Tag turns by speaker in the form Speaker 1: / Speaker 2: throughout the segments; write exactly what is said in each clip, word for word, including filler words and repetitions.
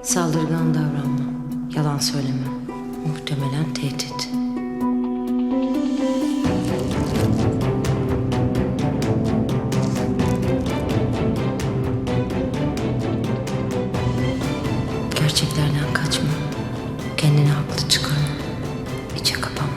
Speaker 1: Saldırgan davranma, yalan söyleme. Muhtemelen tehdit. Gerçeklerden kaçma. Kendini haklı çıkarma. İçe kapanma.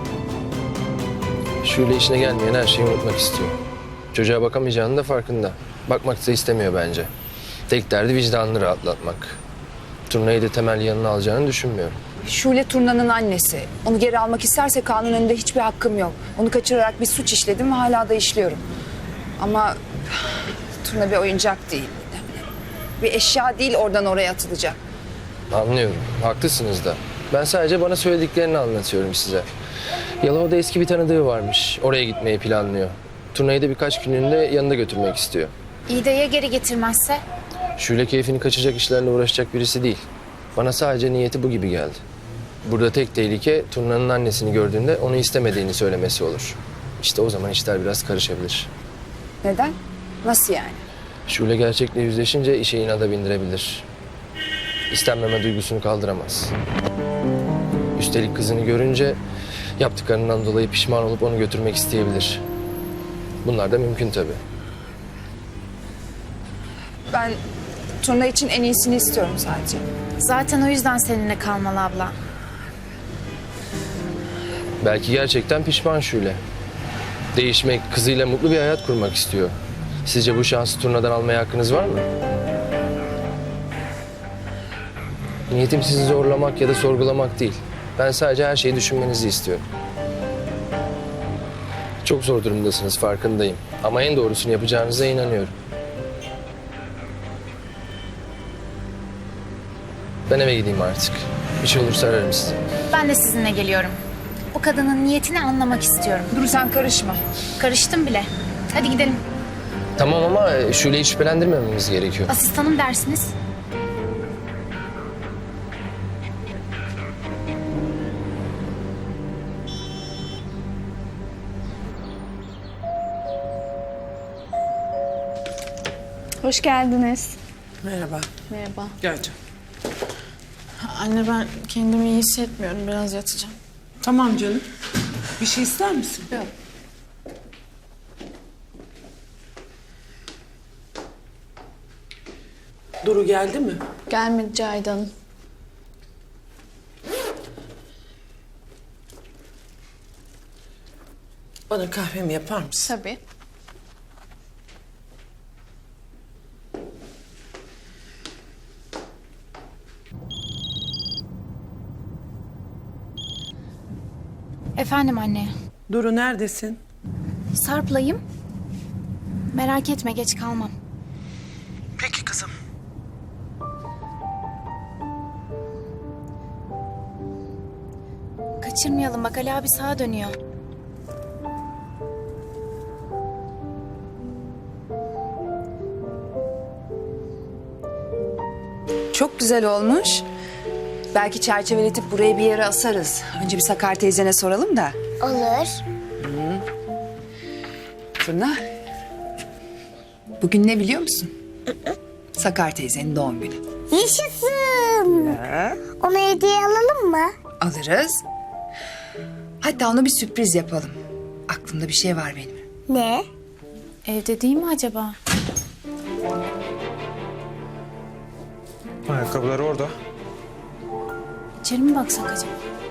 Speaker 2: Şule işine gelmeyen her şeyi unutmak istiyor. Çocuğa bakamayacağının da farkında. Bakmak da istemiyor bence. Tek derdi vicdanını rahatlatmak. Turnayı da temel yanına alacağını düşünmüyorum.
Speaker 3: Şule Turna'nın annesi. Onu geri almak isterse kanun önünde hiçbir hakkım yok. Onu kaçırarak bir suç işledim ve hala da işliyorum. Ama Turna bir oyuncak değil. Bir eşya değil oradan oraya atılacak.
Speaker 2: Anlıyorum. Haklısınız da. Ben sadece bana söylediklerini anlatıyorum size. Yalova'da eski bir tanıdığı varmış. Oraya gitmeyi planlıyor. Turnayı da birkaç günlüğünde yanında götürmek istiyor.
Speaker 4: İyi de ya geri getirmezse?
Speaker 2: Şule keyfini kaçacak işlerle uğraşacak birisi değil. Bana sadece niyeti bu gibi geldi. Burada tek tehlike Turna'nın annesini gördüğünde onu istemediğini söylemesi olur. İşte o zaman işler biraz karışabilir.
Speaker 3: Neden? Nasıl yani?
Speaker 2: Şule gerçekle yüzleşince işe inada bindirebilir. İstenmeme duygusunu kaldıramaz. Üstelik kızını görünce yaptıklarından dolayı pişman olup onu götürmek isteyebilir. Bunlar da mümkün tabii.
Speaker 3: Ben Turna için en iyisini istiyorum sadece.
Speaker 4: Zaten o yüzden seninle kalmalı abla.
Speaker 2: Belki gerçekten pişman Şule. Değişmek, kızıyla mutlu bir hayat kurmak istiyor. Sizce bu şansı Turna'dan almaya hakkınız var mı? Niyetim sizi zorlamak ya da sorgulamak değil. Ben sadece her şeyi düşünmenizi istiyorum. Çok zor durumdasınız, farkındayım. Ama en doğrusunu yapacağınıza inanıyorum. Ben eve gideyim artık. Bir şey olursa ararım sizi.
Speaker 4: Ben de sizinle geliyorum. O kadının niyetini anlamak istiyorum.
Speaker 3: Dur sen karışma.
Speaker 4: Karıştım bile. Hadi gidelim.
Speaker 2: Tamam ama Şule'yi şüphelendirmememiz gerekiyor.
Speaker 4: Asistanım dersiniz.
Speaker 5: Hoş geldiniz.
Speaker 6: Merhaba.
Speaker 5: Merhaba.
Speaker 6: Gel canım.
Speaker 5: Anne ben kendimi iyi hissetmiyorum. Biraz yatacağım.
Speaker 6: Tamam canım. Bir şey ister misin?
Speaker 5: Yok.
Speaker 6: Duru geldi mi?
Speaker 5: Gelmedi Cahide Hanım.
Speaker 6: Bana kahvemi yapar mısın?
Speaker 5: Tabii.
Speaker 4: Efendim anne.
Speaker 6: Duru neredesin?
Speaker 4: Sarp'layım. Merak etme, geç kalmam.
Speaker 6: Peki kızım.
Speaker 4: Kaçırmayalım, bak Ali abi sağa dönüyor.
Speaker 3: Çok güzel olmuş. Belki çerçeveletip buraya bir yere asarız. Önce bir Sakar teyzene soralım da.
Speaker 7: Olur.
Speaker 3: Turna. Bugün ne biliyor musun? Sakar teyzenin doğum günü.
Speaker 7: Yaşasın. Ona hediye alalım mı?
Speaker 3: Alırız. Hatta ona bir sürpriz yapalım. Aklımda bir şey var benim.
Speaker 7: Ne?
Speaker 4: Evde değil mi acaba?
Speaker 8: Ayakkabıları orada.
Speaker 4: İçeri mi baksak acaba?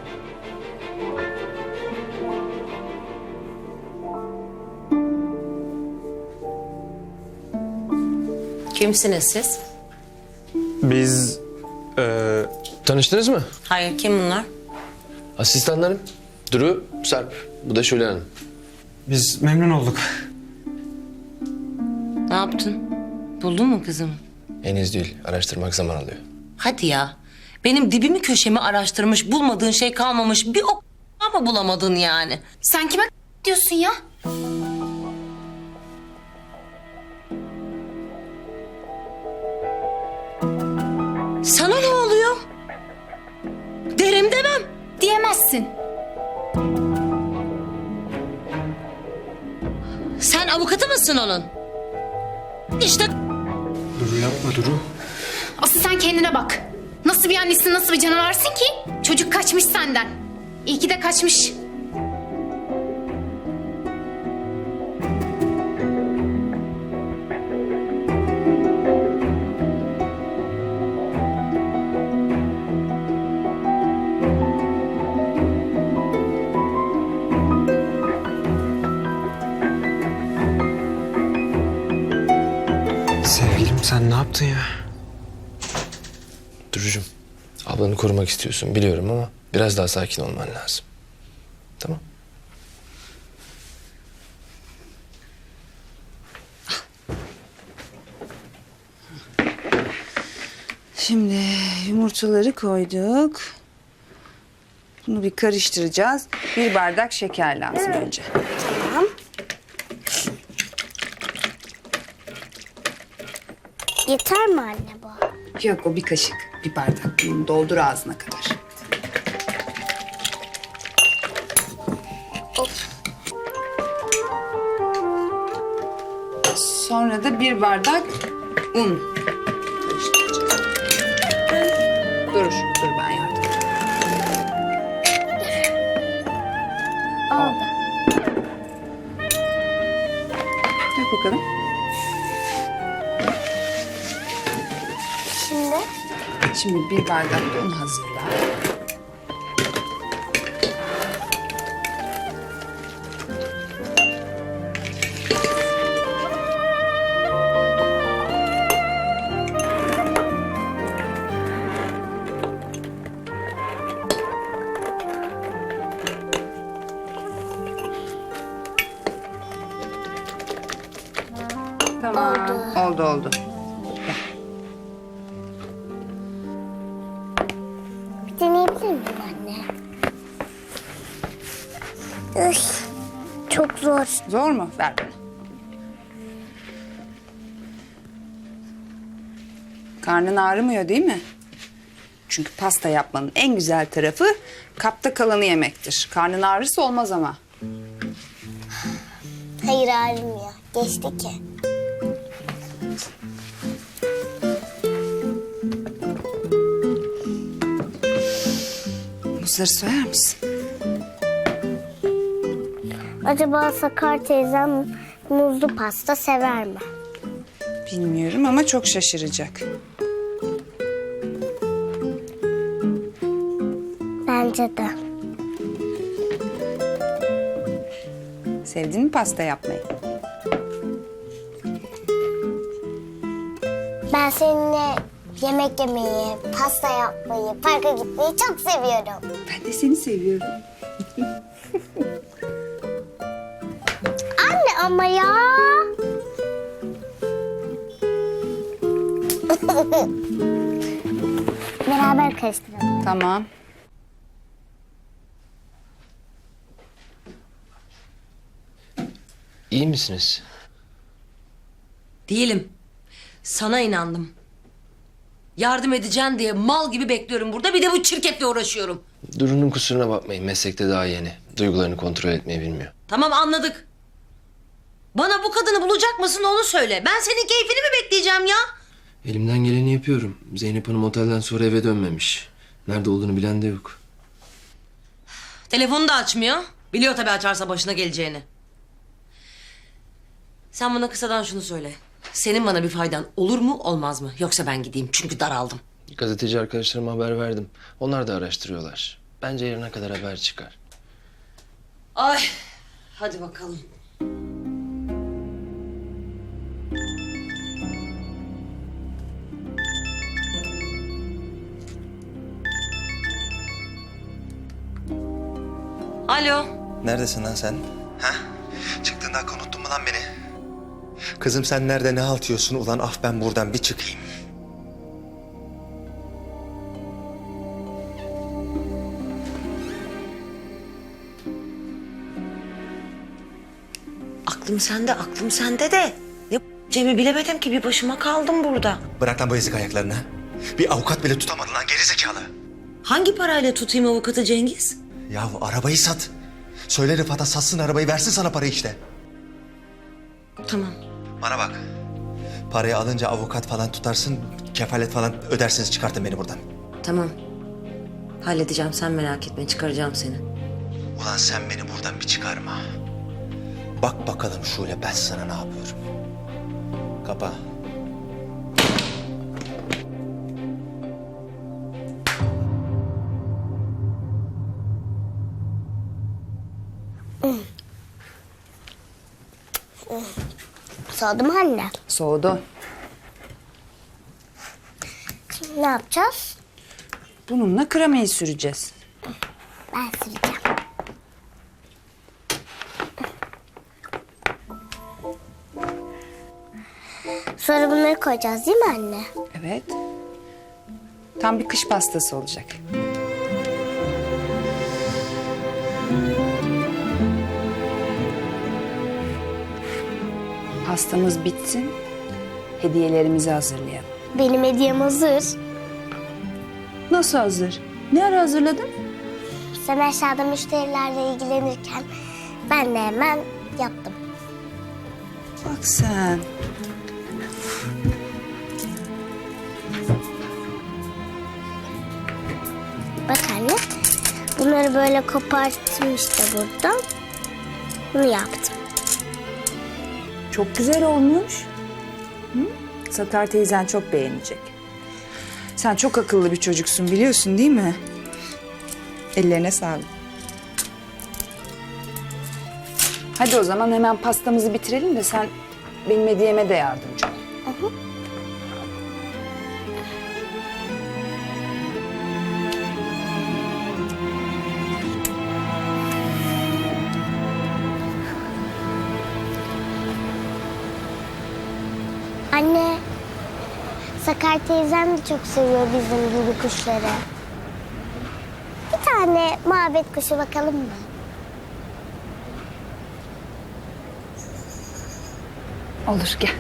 Speaker 1: Kimsiniz siz?
Speaker 8: Biz eee,
Speaker 2: Tanıştınız mı?
Speaker 1: Hayır, kim bunlar?
Speaker 2: Asistanlarım. Duru, Sarp. Bu da Şule Hanım.
Speaker 8: biz memnun olduk.
Speaker 1: Ne yaptın? Buldun mu kızımı?
Speaker 2: Henüz değil. Araştırmak zaman alıyor.
Speaker 9: Hadi ya. Benim dibimi köşemi araştırmış, bulmadığın şey kalmamış. Bir o ama bulamadın yani.
Speaker 4: Sen kime diyorsun ya?
Speaker 9: Sana ne oluyor? Derim demem.
Speaker 4: Diyemezsin.
Speaker 9: Sen avukatı mısın onun? İşte
Speaker 8: Duru yapma Duru.
Speaker 4: Asıl sen kendine bak. Nasıl bir annesin, nasıl bir canavarsın ki? Çocuk kaçmış senden. İyi ki de kaçmış.
Speaker 8: Sevgilim sen ne yaptın ya?
Speaker 2: Durucum, ablanı korumak istiyorsun biliyorum ama biraz daha sakin olman lazım. Tamam.
Speaker 3: Şimdi yumurtaları koyduk. Bunu bir karıştıracağız. Bir bardak şeker lazım önce.
Speaker 7: Tamam. Yeter mi anne bu?
Speaker 3: Yok o bir kaşık, bir bardak. Bunu doldur ağzına kadar. Sonra da bir bardak un karıştıracağız. Dur, dur ben yardım edeyim.
Speaker 7: Oldu.
Speaker 3: Yap bakalım.
Speaker 7: Şimdi
Speaker 3: Şimdi bir bardak da un hazırla. Tamam. Oldu oldu.
Speaker 7: bir deneyebilir miyim anne? Üf, çok zor.
Speaker 3: Zor mu? Ver bana. Karnın ağrımıyor değil mi? Çünkü pasta yapmanın en güzel tarafı kapta kalanı yemektir. Karnın ağrısı olmaz ama.
Speaker 7: Hayır ağrımıyor. Geçti ki.
Speaker 3: Muzları soyar mısın?
Speaker 7: Acaba Sakar teyzem muzlu pasta sever mi?
Speaker 3: Bilmiyorum ama çok şaşıracak.
Speaker 7: Bence de.
Speaker 3: Sevdin mi pasta yapmayı?
Speaker 7: Ben seninle yemek yemeyi, pasta yapmayı, parka gitmeyi çok seviyorum.
Speaker 3: Ben de seni seviyorum.
Speaker 7: Anne ama ya. Beraber karıştıralım.
Speaker 3: Tamam.
Speaker 2: İyi misiniz?
Speaker 9: Değilim. Sana inandım. Yardım edeceksin diye mal gibi bekliyorum burada. Bir de bu çirkefle uğraşıyorum.
Speaker 2: Duru'nun kusuruna bakmayın. Meslekte daha yeni. Duygularını kontrol etmeyi bilmiyor.
Speaker 9: Tamam anladık. Bana bu kadını bulacak mısın onu söyle. Ben senin keyfini mi bekleyeceğim ya?
Speaker 2: Elimden geleni yapıyorum. Zeynep Hanım otelden sonra eve dönmemiş. Nerede olduğunu bilen de yok.
Speaker 9: Telefonu da açmıyor. Biliyor tabii açarsa başına geleceğini. Sen bana kısadan şunu söyle. Senin bana bir faydan olur mu olmaz mı? Yoksa ben gideyim çünkü daraldım.
Speaker 2: Gazeteci arkadaşlarıma haber verdim. Onlar da araştırıyorlar. Bence yarına kadar haber çıkar.
Speaker 9: Ay hadi bakalım. Alo.
Speaker 10: Neredesin lan sen? Ha? Çıktığında unuttun mu lan beni? Kızım sen nerede ne halt yiyorsun? Ulan af ben buradan bir çıkayım.
Speaker 9: Aklım sende, aklım sende de. Ne Cem'i bilemedim ki bir başıma kaldım burada.
Speaker 10: Bırak lan bu ezik ayaklarını. Bir avukat bile tutamadın lan gerizekalı.
Speaker 9: Hangi parayla tutayım avukatı Cengiz?
Speaker 10: Yahu arabayı sat. Söyle Rıfat'a satsın arabayı versin sana parayı işte.
Speaker 9: Tamam.
Speaker 10: Bana bak. Parayı alınca avukat falan tutarsın, kefalet falan ödersiniz çıkartın beni buradan.
Speaker 1: Tamam. Halledeceğim, sen merak etme, çıkaracağım seni.
Speaker 10: Ulan sen beni buradan bir çıkarma. Bak bakalım Şule ben sana ne yapıyorum. Kapa.
Speaker 7: Soğudu mu anne?
Speaker 3: Soğudu.
Speaker 7: Şimdi ne yapacağız?
Speaker 3: Bununla kremayı süreceğiz.
Speaker 7: Ben süreceğim. Sonra bunları koyacağız değil mi anne?
Speaker 3: Evet. Tam bir kış pastası olacak. Pastamız bitsin, hediyelerimizi hazırlayalım.
Speaker 7: Benim hediyem hazır.
Speaker 3: Nasıl hazır? Ne ara hazırladın?
Speaker 7: Sen aşağıda müşterilerle ilgilenirken ben de hemen yaptım.
Speaker 3: Bak sen.
Speaker 7: Bak anne, bunları böyle koparttım işte buradan. Bunu yaptım.
Speaker 3: Çok güzel olmuş. Hı? Sakar teyzen çok beğenecek. Sen çok akıllı bir çocuksun biliyorsun değil mi? Ellerine sağlık. Hadi o zaman hemen pastamızı bitirelim de sen benim hediyeme de yardımcı ol.
Speaker 7: Anne, Sakar teyzem de çok seviyor bizim gibi kuşları. Bir tane muhabbet kuşu bakalım mı?
Speaker 3: Olur gel.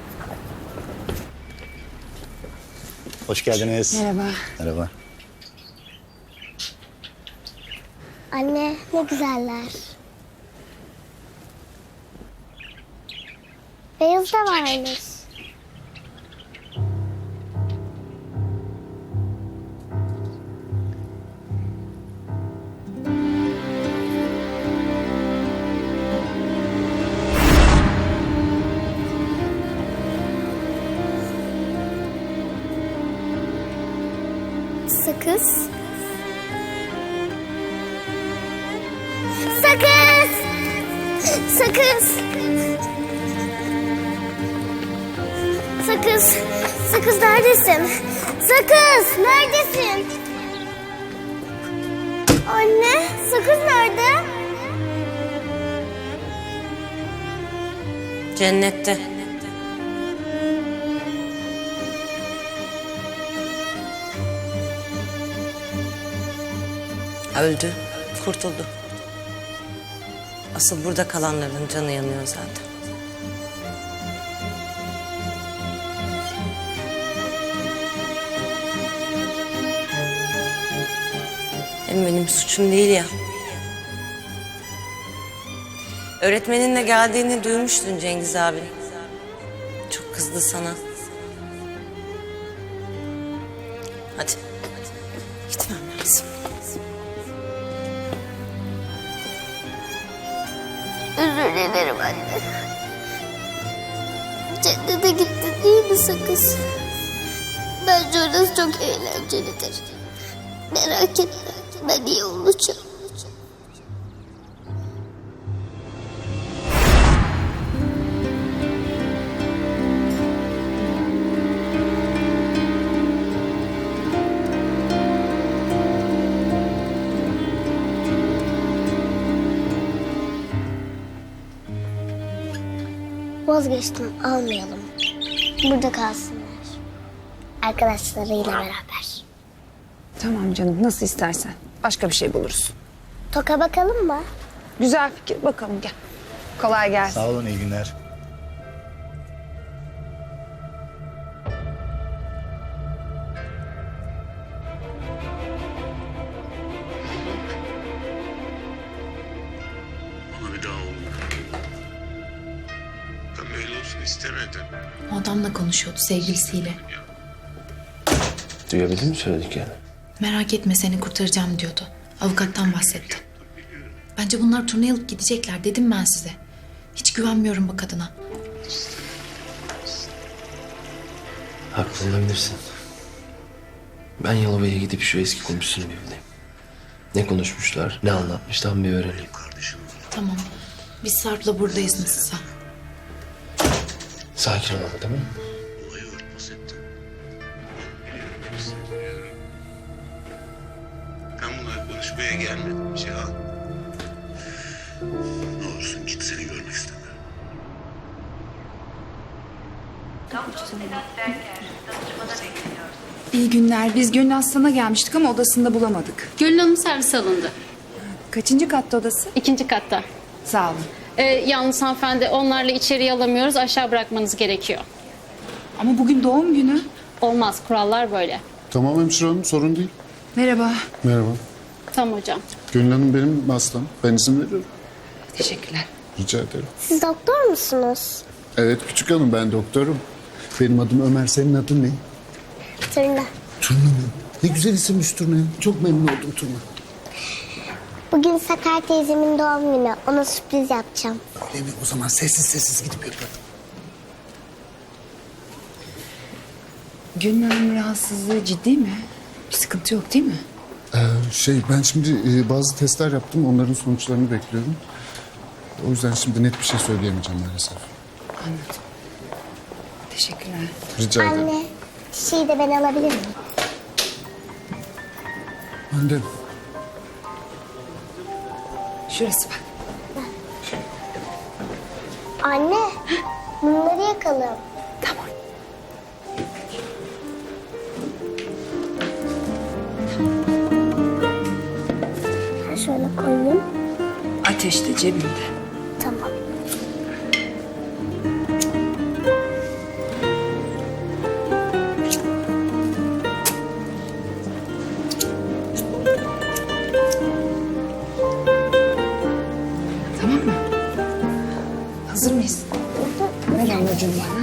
Speaker 11: Hoş geldiniz.
Speaker 3: Merhaba.
Speaker 11: Merhaba.
Speaker 7: Anne, ne güzeller. Beyaz da varmış. Sakız. Sakız! Sakız! Sakız! Sakız neredesin? Sakız neredesin? Anne, sakız nerede?
Speaker 1: Cennette. Öldü, kurtuldu. Asıl burada kalanların canı yanıyor zaten. Hem benim suçum değil ya. Öğretmeninle geldiğini duymuştun Cengiz abi. Çok kızdı sana. Hadi. Gitmem lazım.
Speaker 7: Özür dilerim anne. Cennete gitti değil mi sakız? Bence orası çok eğlencelidir. Merak etme, ben iyi olacağım. Vazgeçtim, almayalım. Burada kalsınlar. Arkadaşlarıyla beraber.
Speaker 3: Tamam canım nasıl istersen. Başka bir şey buluruz.
Speaker 7: Toka bakalım mı?
Speaker 3: Güzel fikir bakalım gel. Kolay gelsin.
Speaker 11: Sağ olun, iyi günler.
Speaker 12: Bana bir daha oldu. Ben böyle olsun istemedim.
Speaker 5: O adamla konuşuyordu sevgilisiyle.
Speaker 2: Duyabildin mi söylediklerini?
Speaker 5: Merak etme seni kurtaracağım diyordu. Avukattan bahsetti. Bence bunlar turneye alıp gidecekler dedim ben size. Hiç güvenmiyorum bu kadına.
Speaker 2: Haklı olabilirsin. Ben Yalova'ya gidip şu eski komşusunu bir bulayım. Ne konuşmuşlar, ne anlatmış tam bir öğreneyim.
Speaker 5: Tamam. Biz Sarp'la buradayız nasılsa.
Speaker 2: Sakin ol ama, tamam mı?
Speaker 12: Olayı örtbas ettin. Ben bunları konuşmaya gelmedim Cihan. Ne olursun git, seni görmek istemiyorum.
Speaker 3: İyi günler. Biz Gönül Aslan'a gelmiştik ama odasında bulamadık.
Speaker 4: Gönül Hanım servis alındı.
Speaker 3: Kaçıncı katta odası?
Speaker 4: İkinci katta.
Speaker 3: Sağ olun.
Speaker 4: Ee, yalnız hanımefendi onlarla içeriye alamıyoruz. Aşağı bırakmanız gerekiyor.
Speaker 3: Ama bugün doğum günü.
Speaker 4: Olmaz, kurallar böyle.
Speaker 11: Tamam hemşire hanım, sorun değil.
Speaker 3: Merhaba.
Speaker 11: Merhaba.
Speaker 4: Tamam hocam.
Speaker 11: Gönül Hanım benim hastam. Ben izin veriyorum.
Speaker 3: Teşekkürler.
Speaker 11: Rica ederim.
Speaker 7: Siz doktor musunuz?
Speaker 11: Evet küçük hanım, ben doktorum. Benim adım Ömer, senin adın ne?
Speaker 7: Turna.
Speaker 11: Turna mı? Ne güzel isimmiş Turna. Çok memnun oldum Turna.
Speaker 7: Bugün Sakar teyzemin doğum günü. Ona sürpriz yapacağım.
Speaker 11: Öyle mi? O zaman sessiz sessiz gidip yapalım.
Speaker 3: Gönül Hanım'ın rahatsızlığı ciddi mi? Bir sıkıntı yok değil mi?
Speaker 11: Ee, şey ben şimdi e, bazı testler yaptım. Onların sonuçlarını bekliyorum. O yüzden şimdi net bir şey söyleyemeyeceğim maalesef.
Speaker 3: Anladım. Teşekkürler.
Speaker 11: Rica ederim.
Speaker 7: Anne, çiçeği de ben alabilir miyim?
Speaker 11: Anne.
Speaker 3: Şurası bak.
Speaker 7: Anne, bunları yakalım.
Speaker 3: Tamam.
Speaker 7: Ben şöyle koyayım.
Speaker 3: Ateş de cebimde.
Speaker 7: Tamam.
Speaker 3: Tamam mı? Hazır mıyız? Ver anneciğim bana.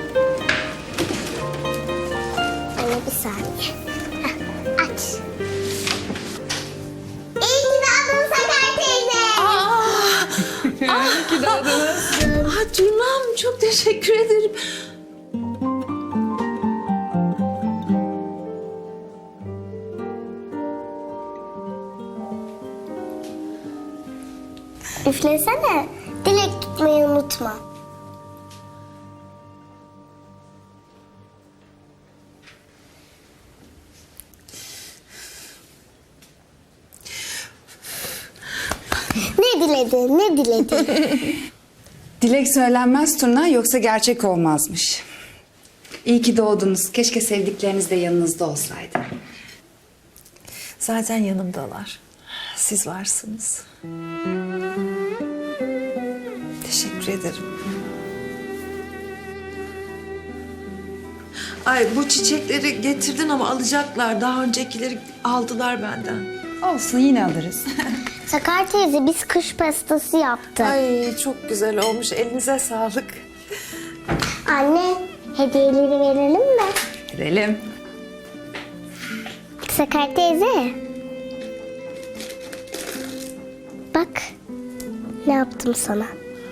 Speaker 7: Anne bir saniye. Heh, aç. İyi ki doğdun Sakar teyze.
Speaker 3: Ah Turnam çok teşekkür ederim.
Speaker 7: Üflesene. Dilek tutmayı unutma. Ne diledi, ne diledi?
Speaker 3: Dilek söylenmez Turna yoksa gerçek olmazmış. İyi ki doğdunuz. Keşke sevdikleriniz de yanınızda olsaydı.
Speaker 13: Zaten yanımdalar. Siz varsınız. Teşekkür ederim. Ay bu çiçekleri getirdin ama alacaklar. Daha öncekileri aldılar benden.
Speaker 3: Olsun yine alırız.
Speaker 7: Sakar teyze biz kış pastası yaptık.
Speaker 13: Ay çok güzel olmuş. Elinize sağlık.
Speaker 7: Anne hediyeleri verelim mi?
Speaker 3: Verelim.
Speaker 7: Sakar teyze. Bak ne yaptım sana.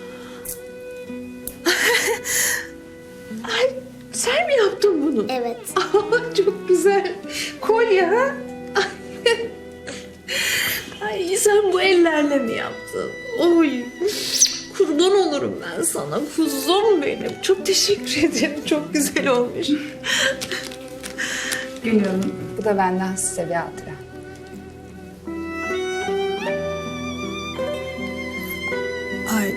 Speaker 13: Ay sen mi yaptın bunu?
Speaker 7: Evet.
Speaker 13: Çok güzel. Kolye ha? Ay sen bu ellerle mi yaptın? Oy. Kurban olurum ben sana. Kuzum benim. Çok teşekkür ederim. Çok güzel olmuş.
Speaker 3: Gül Hanım, bu da benden size bir hatıra.
Speaker 13: Ay.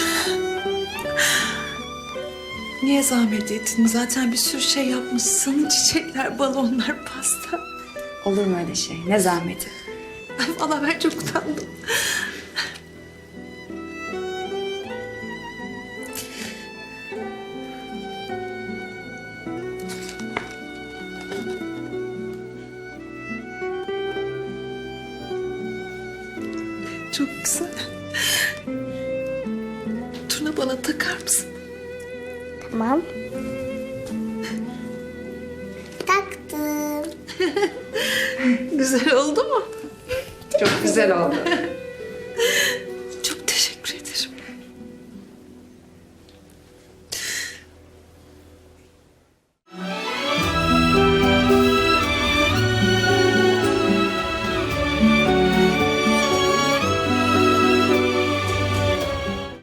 Speaker 13: Niye zahmet ettin? Zaten bir sürü şey yapmışsın. Çiçekler, balonlar, pasta.
Speaker 3: Olur mu öyle şey? Ne zahmeti?
Speaker 13: Ay valla ben çok utandım. Çok güzel. Turna bana takar mısın?
Speaker 7: Tamam. Taktım.
Speaker 13: Güzel oldu mu?
Speaker 3: Çok güzel oldu.